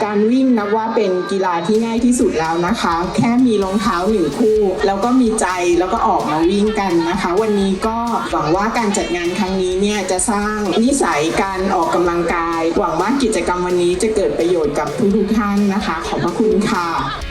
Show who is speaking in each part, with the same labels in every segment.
Speaker 1: การวิ่งนับว่าเป็นกีฬาที่ง่ายที่สุดแล้วนะคะ แค่มีรองเท้า1 คู่แล้วก็มีใจแล้วก็ออกมาวิ่งกันนะคะ วันนี้ก็หวังว่าการจัดงานครั้งนี้เนี่ยจะสร้างนิสัยการออกกำลังกาย หวังว่ากิจกรรมวันนี้จะเกิดประโยชน์กับทุกท่านนะคะ ขอบพระคุณค่ะ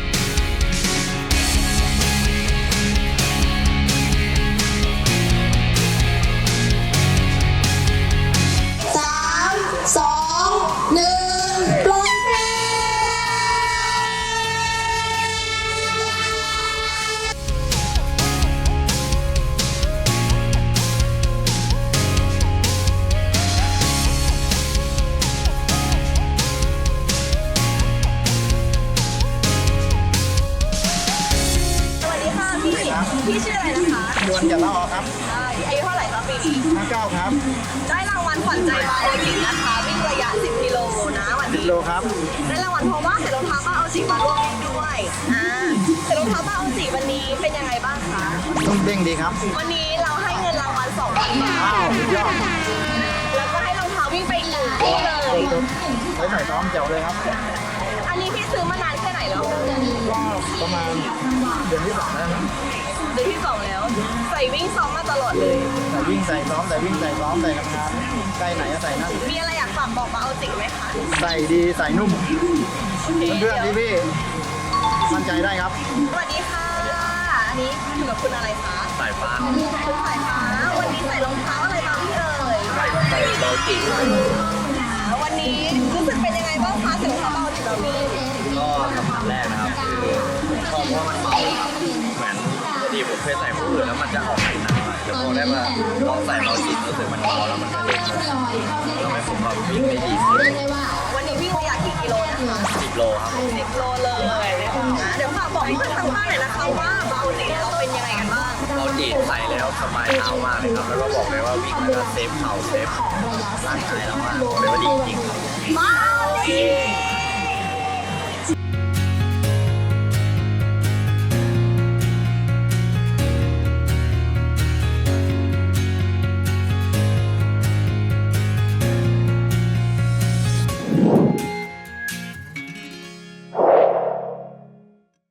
Speaker 2: พี่ชื่ออะไรนะคะ
Speaker 3: ดวนอย่าละออครับ
Speaker 2: อายุเท่าไหร่คะปีนี้
Speaker 3: 59ครับ
Speaker 2: ได้รางวัลขวัญใจบาโอจินะคะวิ่งระยะ 10 กิโลนะวันนี้
Speaker 3: 10 โลครับ
Speaker 2: ได้รางวัลเพราะว่าใส่รองเท้าบาโอจิมาร่วมวิ่งด้วยใส่รองเท้าบาโอจิวันนี้เป็นยังไงบ้างคะ
Speaker 3: ต้องเด้งดีครับ
Speaker 2: วันนี้เราให้เงินรางวัล 2,000 บาท
Speaker 3: อ้าวสุดยอด
Speaker 2: แล้วก็ให้รองเท้าวิ่งไปอีกคู่เลย
Speaker 3: ไว้ใส่ซ้อมแจ๋วเลยครับ
Speaker 2: อันนี้พี่ซื้อมานานแค่ไหนแล้ว
Speaker 3: ก็ประมาณเดือนที่2แล้วนะ
Speaker 2: เดือนที่ 2 แล้ว ใส่วิ่งซ้อมมาตลอดเลย
Speaker 3: ใส่วิ่งใส่ซ้อมใส่วิ่งใส่ซ้อมใส่ทำงานใกล้ไหนก็ใส่นั่น
Speaker 2: มีอะไรอยากฝากบอกบาโอจิไหมคะ
Speaker 3: ใส่ดีใส่นุ่ม
Speaker 2: โอเค
Speaker 3: เพื่อนๆพี่ๆมั่นใจได้ครับ
Speaker 2: สวัสดีค่ะ อันนี้อยู่กับคุณอะไรคะ
Speaker 4: สายฟ้า
Speaker 2: คุณสายฟ้า วันนี้ใส่รองเท้าอะไรมาพี่เอ่ย
Speaker 4: ใส่โลจิ
Speaker 2: วันนี้รู้สึกเป็นยังไงบ้างคะใส่รองเท้าเบาจิแบบนี้
Speaker 4: ก็คำถามแรกนะครับคือชอบเพราะมันเบาครับเหมือนปกติผมเคยใส่ผู้อื่นแล้วมันจะออกหนักๆหน่อยแต่พอได้มาลองใส่โลจิรู้สึกมันเบาแล้วมันก็เด็กทำให้ผมแบบวิ่งได้ดีขึ้น
Speaker 2: วันนี้วิ่งระยะกี่กิโลนะคะ
Speaker 4: 10 โลครับ
Speaker 2: 10 โลเลยนะเดี๋ยวฝากบอกเพื่อนทางบ้านหน่อยนะคะว่าเบาจิเราเป็นยังไงกันบ้าง
Speaker 4: โลจิใส่แล้วสบายเท้ามากเลยครับแล้วก็บอกเลยว่าวิ่งแล้วก็เซฟเข่าเซฟร่างกายเรามากบอกเลยว่าดีจริงครับ
Speaker 2: เบาจิ